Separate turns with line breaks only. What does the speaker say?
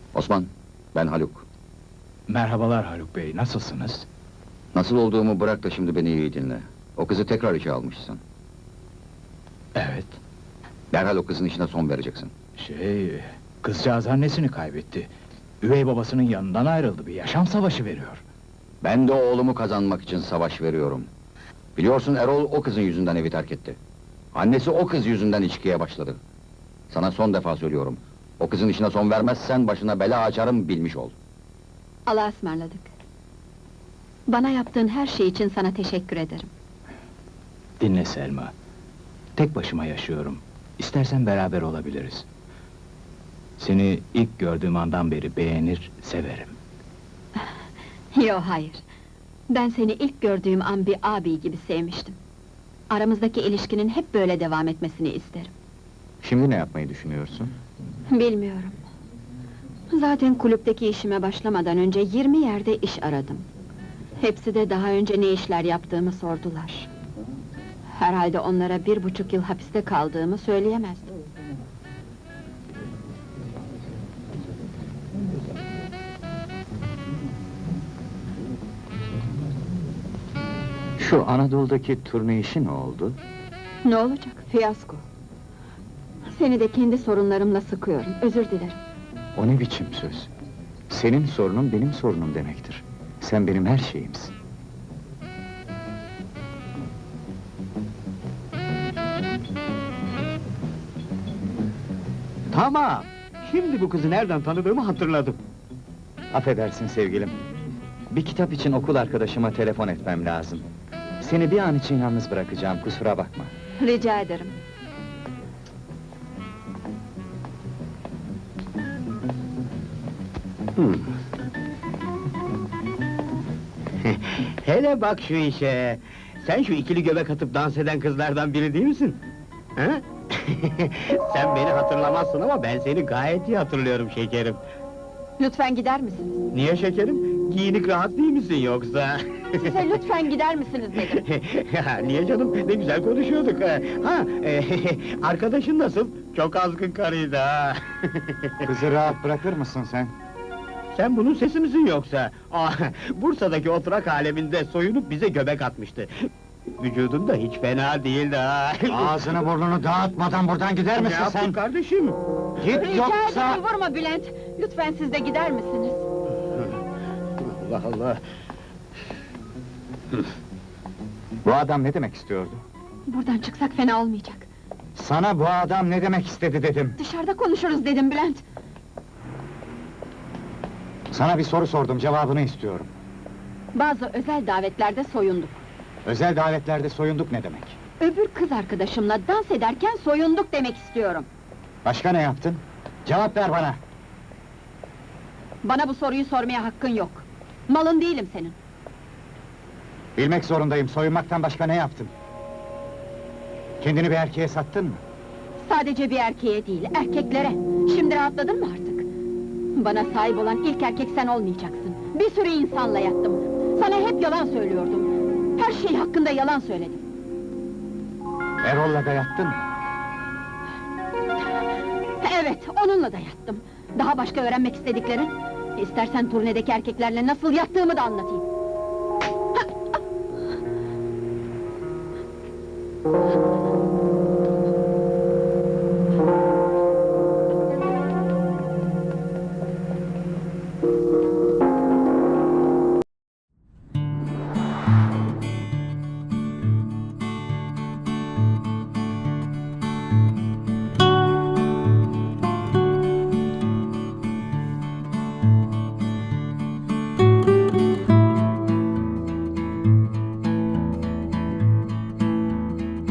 Osman, ben Haluk.
Merhabalar Haluk Bey, nasılsınız?
Nasıl olduğumu bırak da şimdi beni iyi dinle. O kızı tekrar işe almışsın.
Evet.
Derhal o kızın işine son vereceksin.
Kızcağız annesini kaybetti. Üvey babasının yanından ayrıldı, bir yaşam savaşı veriyor.
Ben de oğlumu kazanmak için savaş veriyorum. Biliyorsun Erol o kızın yüzünden evi terk etti. Annesi o kız yüzünden içkiye başladı. Sana son defa söylüyorum. O kızın işine son vermezsen başına bela açarım, bilmiş ol.
Allah'a ısmarladık. Bana yaptığın her şey için sana teşekkür ederim.
Dinle Selma. Tek başıma yaşıyorum. İstersen beraber olabiliriz. Seni ilk gördüğüm andan beri beğenir, severim.
Yo, hayır. Ben seni ilk gördüğüm an bir abi gibi sevmiştim. Aramızdaki ilişkinin hep böyle devam etmesini isterim.
Şimdi ne yapmayı düşünüyorsun?
Bilmiyorum. Zaten kulüpteki işime başlamadan önce 20 yerde iş aradım. Hepsi de daha önce ne işler yaptığımı sordular. Herhalde onlara 1,5 yıl hapiste kaldığımı söyleyemezdim.
Şu Anadolu'daki turne işi ne oldu?
Ne olacak? Fiyasko. Seni de kendi sorunlarımla sıkıyorum, özür dilerim.
O ne biçim söz? Senin sorunun benim sorunum demektir. Sen benim her şeyimsin.
Tamam! Şimdi bu kızı nereden tanıdığımı hatırladım.
Affedersin sevgilim. Bir kitap için okul arkadaşıma telefon etmem lazım. Seni bir an için yalnız bırakacağım, kusura bakma.
Rica ederim.
Hele bak şu işe! Sen şu ikili göbek atıp dans eden kızlardan biri değil misin? Ha? Sen beni hatırlamazsın ama ben seni gayet iyi hatırlıyorum şekerim.
Lütfen gider misiniz?
Niye şekerim? Giyinik rahat değil misin yoksa?
Size lütfen gider misiniz dedim.
Ya, niye canım? Ne güzel konuşuyorduk. Arkadaşın nasıl? Çok azgın karıydı ha!
Kızı rahat bırakır mısın sen?
Sen bunun sesi misin yoksa? Bursa'daki oturak aleminde soyunup bize göbek atmıştı. Vücudun da hiç fena değildi ha!
Ağzını burnunu dağıtmadan buradan gider
Ne
misin
yaptın
sen?
kardeşim?
Git
Rica
yoksa...
ederim, vurma Bülent! Lütfen siz de gider misiniz?
Allah Allah!
Bu adam ne demek istiyordu?
Buradan çıksak fena olmayacak.
Sana bu adam ne demek istedi dedim.
Dışarıda konuşuruz dedim Bülent.
Sana bir soru sordum, cevabını istiyorum.
Bazı özel davetlerde soyunduk.
Özel davetlerde soyunduk ne demek?
Öbür kız arkadaşımla dans ederken soyunduk demek istiyorum.
Başka ne yaptın? Cevap ver bana!
Bana bu soruyu sormaya hakkın yok. Malın değilim senin.
Bilmek zorundayım, soyunmaktan başka ne yaptın? Kendini bir erkeğe sattın mı?
Sadece bir erkeğe değil, erkeklere. Şimdi rahatladın mı artık? Bana sahip olan ilk erkek sen olmayacaksın. Bir sürü insanla yattım. Sana hep yalan söylüyordum. Her şey hakkında yalan söyledim.
Erol'la da yattın mı?
Evet, onunla da yattım. Daha başka öğrenmek istediklerin? İstersen turnedeki erkeklerle nasıl yattığımı da anlatayım.